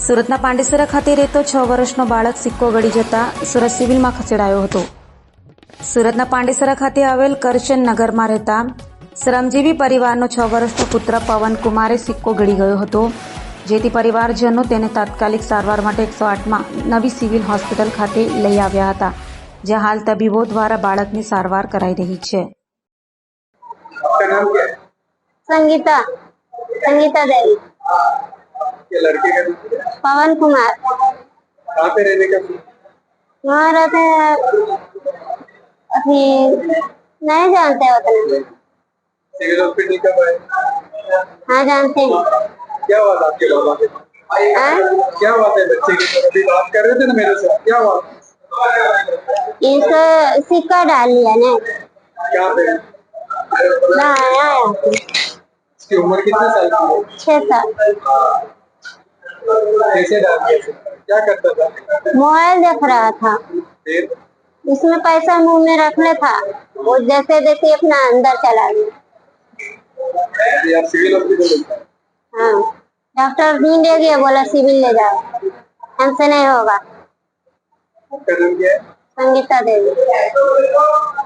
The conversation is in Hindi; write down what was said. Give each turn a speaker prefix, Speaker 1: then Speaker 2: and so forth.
Speaker 1: સુરતના પાંડેસરા ખાતે રહેતો 6 વર્ષનો બાળક સિક્કો ગળી જતા સુરત સિવિલમાં ખસેડાયો હતો। સુરતના પાંડેસરા ખાતે આવેલ કરશન નગરમાં રહેતા શ્રમજીવી પરિવારનો 6 વર્ષનો પુત્ર પવન કુમારે સિક્કો ગળી ગયો હતો, જેથી પરિવારજનો તેને તાત્કાલિક સારવાર માટે 108માં નવી સિવિલ હોસ્પિટલ ખાતે લઈ આવ્યા હતા, જ્યાં હાલ તબીબો દ્વારા બાળકની સારવાર કરાઈ રહી છે।
Speaker 2: आपका नाम क्या है?
Speaker 3: संगीता संगीता देवी।
Speaker 2: ये लड़के का नाम क्या है?
Speaker 3: पवन कुमार।
Speaker 2: कहाँ पे रहने का?
Speaker 3: वहाँ रहते हैं, अभी नहीं जानते उतना।
Speaker 2: सिविल हॉस्पिटल कब आए?
Speaker 3: हाँ जानते हैं।
Speaker 2: क्या हुआ था आपके बाबा के?
Speaker 3: हाँ?
Speaker 2: क्या हुआ था बच्चे की? अभी बात कर रहे थे ना मेरे से, क्या हुआ?
Speaker 3: इसको सिक्का डाल लिया ना।
Speaker 2: क्या पे?
Speaker 3: ना आया
Speaker 2: इसकी उम्र कितने साल की है?
Speaker 3: 6 साल।
Speaker 2: कैसे डाल दिया सिक्का? क्या करता था?
Speaker 3: मोबाइल देख रहा था,
Speaker 2: फिर
Speaker 3: इसमें पैसा मुंह में रखने था, वो जैसे जैसे अपना अंदर चला गया।
Speaker 2: अभी आप सिविल हॉस्पिटल ले जाओ।
Speaker 3: हाँ, डॉक्टर ढूंढ ले गया, बोला सिविल ले जाओ, हमसे नहीं होगा।
Speaker 2: आपका नाम क्या है?
Speaker 3: संगीता देवी।